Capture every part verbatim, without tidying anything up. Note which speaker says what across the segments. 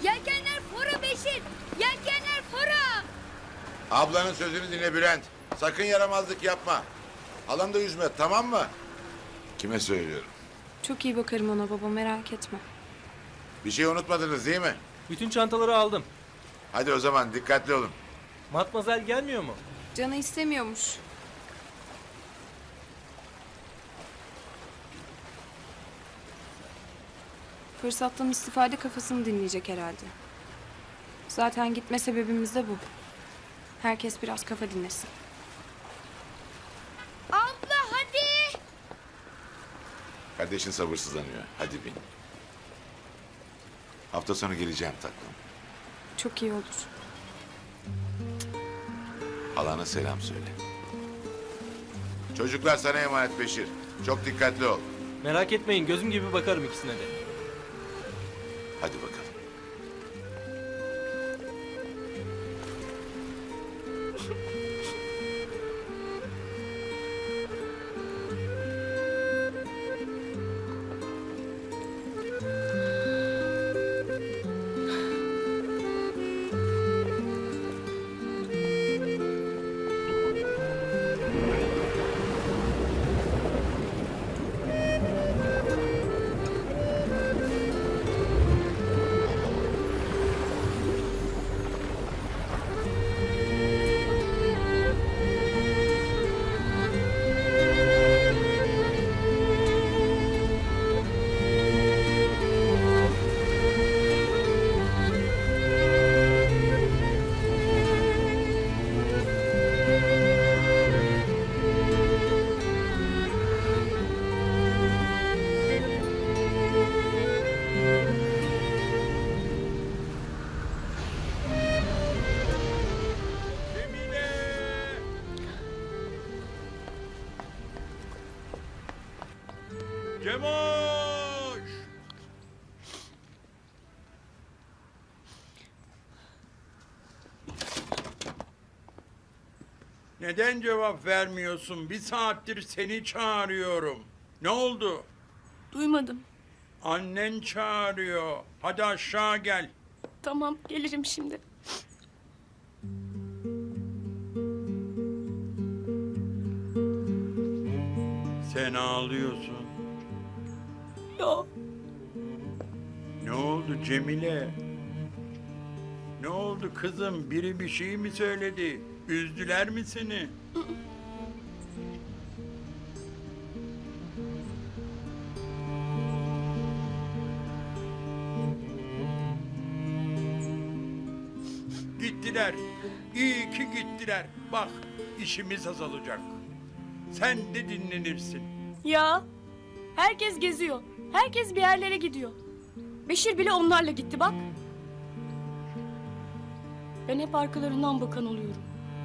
Speaker 1: Yelkenler fora Beşir. Yelkenler fora.
Speaker 2: Ablanın sözünü dinle Bülent. Sakın yaramazlık yapma. Halam da yüzme, tamam mı? Kime söylüyorum?
Speaker 3: Çok iyi bakarım ona baba, merak etme.
Speaker 2: Bir şey unutmadınız değil mi?
Speaker 4: Bütün çantaları aldım.
Speaker 2: Hadi o zaman dikkatli olun.
Speaker 4: Matmazel gelmiyor mu?
Speaker 3: Canı istemiyormuş. Fırsattan istifade kafasını dinleyecek herhalde. Zaten gitme sebebimiz de bu. Herkes biraz kafa dinlesin.
Speaker 1: Abla hadi.
Speaker 2: Kardeşin sabırsızlanıyor. Hadi bin. Hafta sonu geleceğim tatlım.
Speaker 3: Çok iyi olur.
Speaker 2: Halana selam söyle. Çocuklar sana emanet Beşir. Çok dikkatli ol.
Speaker 4: Merak etmeyin, gözüm gibi bakarım ikisine de.
Speaker 2: Hadi bakalım.
Speaker 5: Cemoş! Neden cevap vermiyorsun? Bir saattir seni çağırıyorum. Ne oldu?
Speaker 6: Duymadım.
Speaker 5: Annen çağırıyor. Hadi aşağı gel.
Speaker 6: Tamam, gelirim şimdi.
Speaker 5: Sen ağlıyorsun.
Speaker 6: Yo,
Speaker 5: Ne oldu Cemile? Ne oldu kızım? Biri bir şey mi söyledi? Üzdüler mi seni? Gittiler. İyi ki gittiler. Bak işimiz azalacak. Sen de dinlenirsin.
Speaker 6: ya. Herkes geziyor. Herkes bir yerlere gidiyor. Beşir bile onlarla gitti bak. Ben hep arkalarından bakan oluyorum.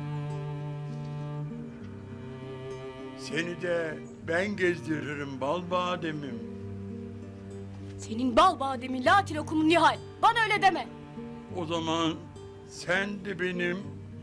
Speaker 5: Seni de ben gezdiririm bal bademim.
Speaker 6: Senin bal bademi, latil okumun Nihal. Bana öyle deme.
Speaker 5: O zaman sen de benim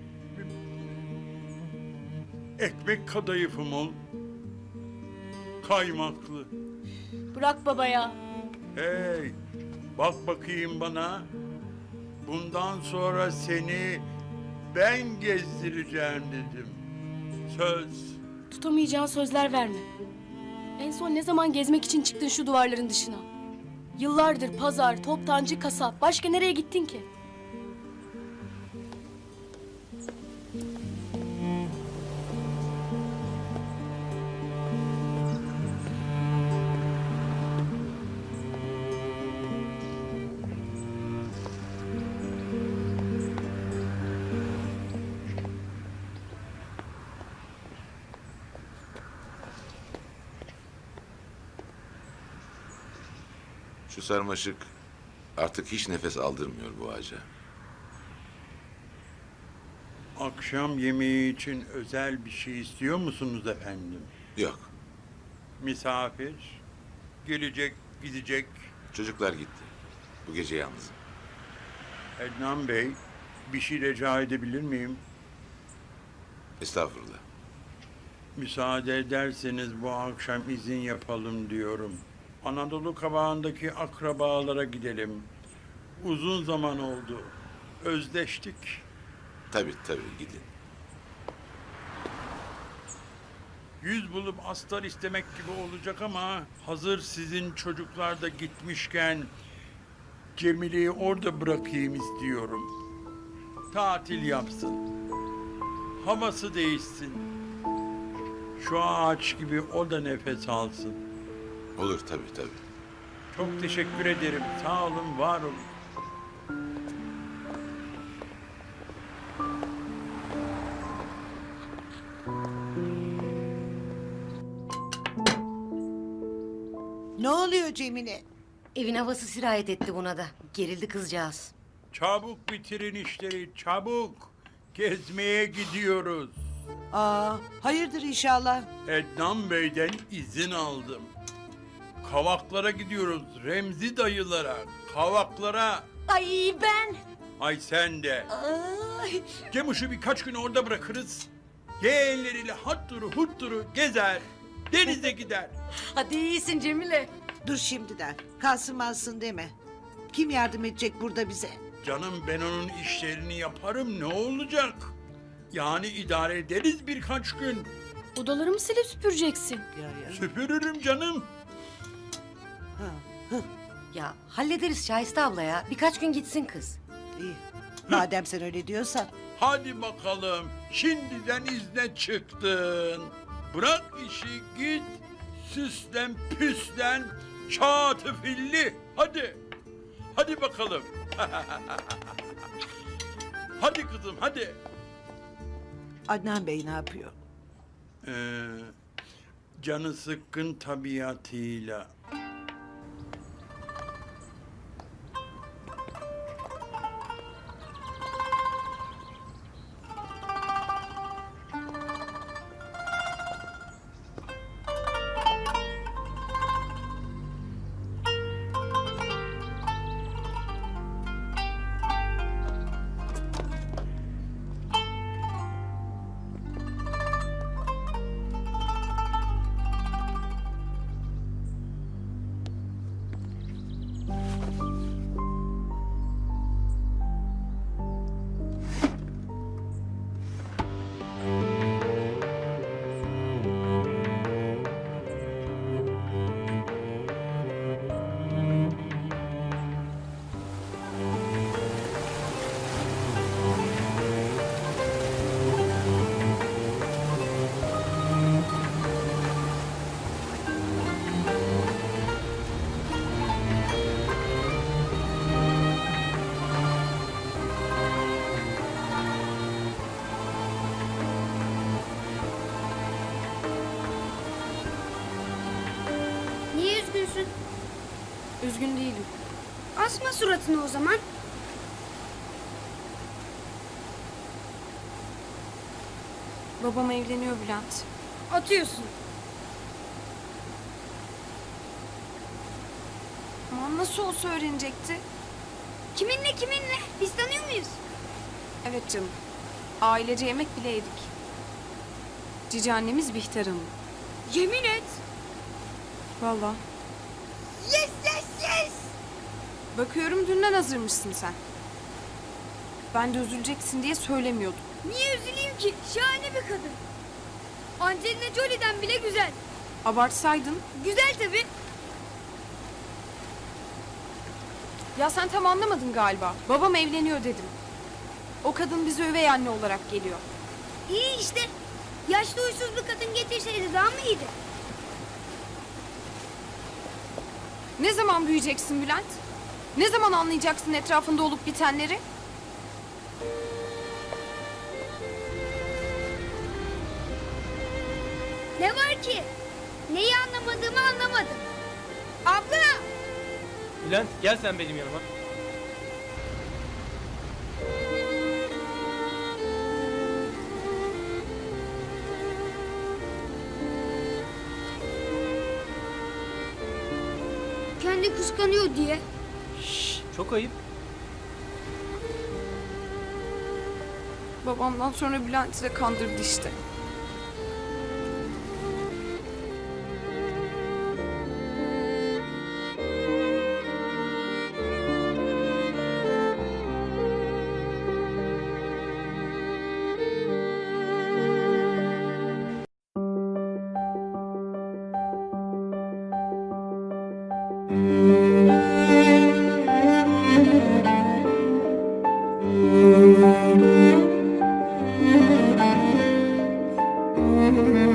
Speaker 5: ekmek kadayıfım ol. Kaymaklı.
Speaker 6: Bırak baba ya.
Speaker 5: Hey, bak bakayım bana. Bundan sonra seni ben gezdireceğim dedim. Söz.
Speaker 6: Tutamayacağın sözler verme. En son ne zaman gezmek için çıktın şu duvarların dışına? Yıllardır pazar, toptancı, kasap. Başka nereye gittin ki?
Speaker 2: Şu sarmaşık artık hiç nefes aldırmıyor bu ağaca.
Speaker 5: Akşam yemeği için özel bir şey istiyor musunuz efendim?
Speaker 2: Yok,
Speaker 5: Misafir, gelecek, gidecek.
Speaker 2: çocuklar gitti. Bu gece yalnızım.
Speaker 5: Ednan Bey, bir şey rica edebilir miyim?
Speaker 2: Estağfurullah.
Speaker 5: Müsaade ederseniz bu akşam izin yapalım diyorum. Anadolu kabağındaki akrabalara gidelim. Uzun zaman oldu. Özleştik.
Speaker 2: Tabii tabii gidin.
Speaker 5: Yüz bulup astar istemek gibi olacak ama hazır sizin çocuklar da gitmişken Cemile'yi orada bırakayım istiyorum. Tatil yapsın. Havası değişsin. Şu ağaç gibi o da nefes alsın.
Speaker 2: Olur tabii tabii.
Speaker 5: Çok teşekkür ederim. Sağ olun, var olun.
Speaker 7: Ne oluyor Cemile?
Speaker 8: Evin havası sirayet etti buna da. Gerildi kızcağız.
Speaker 5: Çabuk bitirin işleri, çabuk. Gezmeye gidiyoruz.
Speaker 7: Aa, hayırdır inşallah.
Speaker 5: Ednan Bey'den izin aldım. Kavaklara gidiyoruz, Remzi dayılara. Kavaklara.
Speaker 8: Ay ben.
Speaker 5: Ay sen de.
Speaker 8: Ay.
Speaker 5: Cemuş'u birkaç gün orada bırakırız. Yeğenleriyle hatturu hutturu gezer. Denize gider.
Speaker 8: Hadi iyisin Cemile.
Speaker 7: Dur şimdiden. Kalsın malsın deme. Kim yardım edecek burada bize?
Speaker 5: Canım ben onun işlerini yaparım, ne olacak? Yani idare ederiz birkaç gün.
Speaker 6: Odalarımı silip süpüreceksin.
Speaker 7: Ya, ya.
Speaker 5: Süpürürüm canım.
Speaker 8: Ya hallederiz Şahiste abla ya. Birkaç gün gitsin kız.
Speaker 7: İyi. Madem sen öyle diyorsan.
Speaker 5: Hadi bakalım, şimdiden izne çıktın. Bırak işi git, süslen püslen, çatıfilli. Hadi, hadi bakalım. Hadi kızım, hadi.
Speaker 7: Adnan Bey ne yapıyor?
Speaker 5: Ee, canı sıkkın tabiatıyla.
Speaker 1: Niye üzgünsün?
Speaker 3: Üzgün değilim.
Speaker 1: Asma suratını o zaman.
Speaker 3: Babam evleniyor Bülent.
Speaker 1: Atıyorsun.
Speaker 3: Aman nasıl olsa öğrenecekti.
Speaker 1: Kiminle kiminle? Biz tanıyor muyuz?
Speaker 3: Evet canım. Ailece yemek bile yedik. Cici annemiz Bihter Hanım.
Speaker 1: Yemin et.
Speaker 3: Vallahi.
Speaker 1: Yes yes yes.
Speaker 3: Bakıyorum dünden hazırmışsın sen. Ben de üzüleceksin diye söylemiyordum.
Speaker 1: Niye üzüleyim ki? Şahane bir kadın. Angelina Jolie'den bile güzel.
Speaker 3: Abartsaydın.
Speaker 1: Güzel tabii.
Speaker 3: Ya sen tam anlamadın galiba. Babam evleniyor dedim. O kadın bize üvey anne olarak geliyor.
Speaker 1: İyi işte. Yaşlı uysuz bir kadın getirseydi daha mı iyiydi?
Speaker 3: Ne zaman büyüyeceksin Bülent? Ne zaman anlayacaksın etrafında olup bitenleri?
Speaker 1: Ne var ki? Neyi anlamadığımı anlamadım. Abla!
Speaker 4: Bülent gel sen benim yanıma.
Speaker 1: Kendi kıskanıyor diye.
Speaker 4: Çok ayıp.
Speaker 3: Babamdan sonra Bülent'i de kandırdı işte.
Speaker 2: Hadi.